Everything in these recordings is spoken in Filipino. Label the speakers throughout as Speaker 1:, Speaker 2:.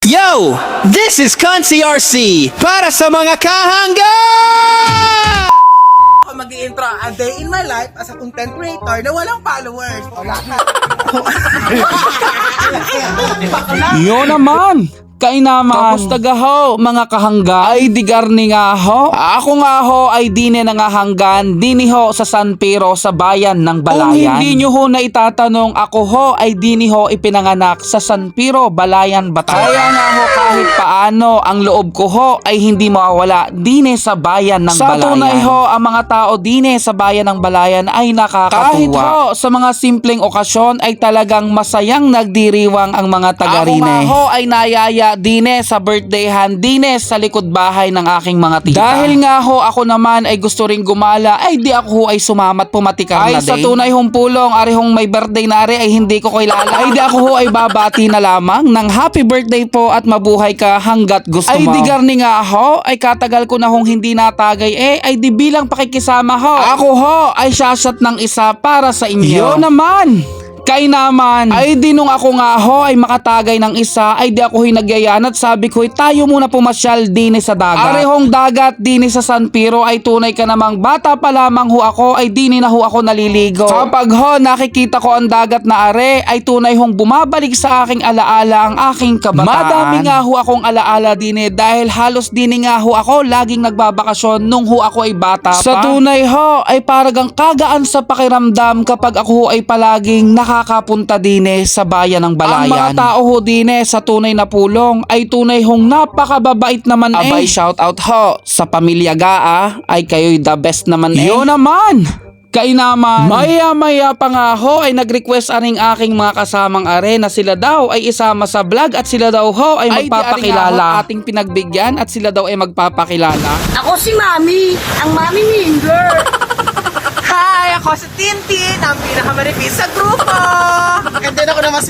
Speaker 1: Yo! This is Consi RC para sa mga kahangga!
Speaker 2: Ako mag-i-intro a day in my life as a content creator na walang followers. Wala ka.
Speaker 3: Yo naman! Kainaman! Kamusta ga ho, mga kahangga? Ay digarni nga ho. Ako nga ho ay dine nangahanggan, dini ho sa San Pedro sa bayan ng Balayan. Kung hindi nyo ho na itatanong, ako ho ay dini ho ipinanganak sa San Pedro, Balayan, Bataan. Kaya nga ho kahit paano, ang loob ko ho ay hindi mawawala dine sa bayan ng Balayan. Sa tunay ho, ang mga tao dine sa bayan ng Balayan ay nakakatuwa. Kahit ho, sa mga simpleng okasyon ay talagang masayang nagdiriwang ang mga taga-rine. Ako nga ho ay nayaya dine sa birthdayhan dine sa likod bahay ng aking mga tita. Dahil nga ho ako naman ay gusto ring gumala, ay di ako ho ay sumamat pumatikar na day. Ay sa tunay hong pulong, ari hong may birthday na ari ay hindi ko kilala. Ay di ako ho ay babati na lamang ng happy birthday po at mabuhay ka hanggat gusto mo. Ay di garni nga ho, ay katagal ko na hong hindi natagay ay di bilang pakikisama ho. Ako ho ay shashot ng isa para sa inyo. Yo naman! Kay naman, ay di nung ako nga ho ay makatagay ng isa, ay di ako hinagyayan at sabi ko, tayo muna pumasyal dini sa dagat. Arehong dagat dini sa San Pedro ay tunay ka namang bata pa lamang ho ako, ay dini na ho ako naliligo. Kapag ho nakikita ko ang dagat na are, ay tunay hong bumabalik sa aking alaala ang aking kabataan. Madami nga ho akong alaala dini dahil halos dini nga ho ako laging nagbabakasyon nung ho ako ay bata pa. Sa tunay ho ay paragang kagaan sa pakiramdam kapag ako ho ay palaging nakakapunta dine sa bayan ng Balayan. Ang mga tao ho dine sa tunay na pulong ay tunay hong napakababait naman Abay, shout out ho sa pamilya Gaa ay kayo'y the best naman Yo naman! Kay naman, maya-maya pa nga ho ay nag-request aring aking mga kasamang are na sila daw ay isama sa vlog at sila daw ho ay magpapakilala. Ating pinagbigyan at sila daw ay magpapakilala.
Speaker 4: Ako si Mami, ang Mami Minger.
Speaker 2: Hi! Ako si Tintin, ang pinakamanipis sa grupo. And then ako naman si...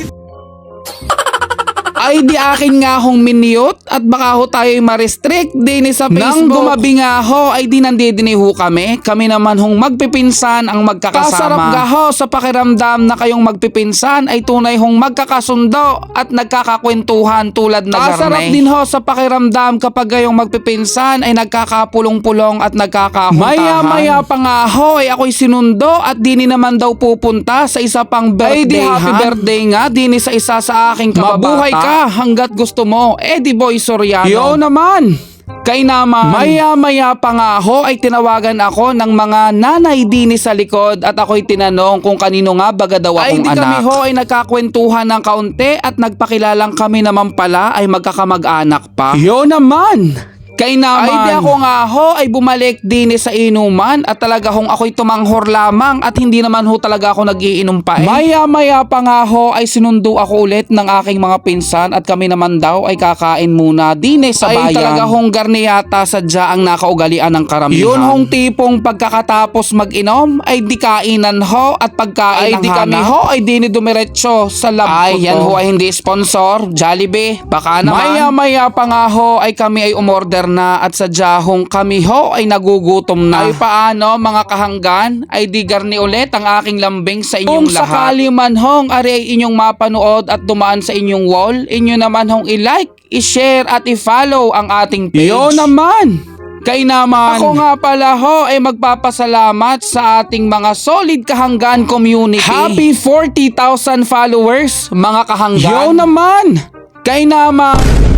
Speaker 3: Ay di akin nga hong minute at baka ho tayo'y ma-restrict din sa Facebook. Nang gumabi nga ho ay di nandidini ho kami. Kami naman hong magpipinsan ang magkakasama. Kasarap ga ho sa pakiramdam na kayong magpipinsan ay tunay hong magkakasundo at nagkakakwentuhan tulad na garne. Kasarap din ho sa pakiramdam kapag kayong magpipinsan ay nagkakapulong-pulong at nagkakahuntahan. Maya-maya pa nga ho ay ako'y sinundo at dini naman daw pupunta sa isa pang birthday. Ay di happy birthday nga dini sa isa sa aking kababata. Mabuhay ka hanggat gusto mo. Eddie Boy Soriano. Yo naman! Kay naman, maya-maya pa nga ho ay tinawagan ako ng mga nanay dini sa likod at ako'y tinanong kung kanino nga baga daw akong anak. Ay di kami ho ay nagkakwentuhan ng kaunti at nagpakilalang kami naman pala ay magkakamag-anak pa. Yo naman! Kay naman, ay di ako nga ho ay bumalik din sa inuman at talaga hong ako'y tumanghor lamang at hindi naman ho talaga ako nagiinom pa Maya-maya pa nga ho ay sinundo ako ulit ng aking mga pinsan at kami naman daw ay kakain muna din sa bayan. Ay talaga hong garniyata sadya ang nakaugalian ng karamihan. Yun hong tipong pagkakatapos mag-inom ay di kainan ho at pagkain ay di kami ho ay di dumiretso sa lab ko. Ay yan ho ay hindi sponsor, Jollibee, baka naman. Maya-maya pa nga ho ay kami ay umorder na at sadya hong kami ho ay nagugutom na. Ay paano mga kahanggan ay di garni ulit ang aking lambing sa inyong lahat. Kung sakali man hong ari ay inyong mapanood at dumaan sa inyong wall, inyo naman hong i-like, i-share at i-follow ang ating page. Yo naman! Kay naman, ako nga pala ho ay magpapasalamat sa ating mga solid kahanggan community. Happy 40,000 followers mga kahanggan. Yo naman! Kay naman,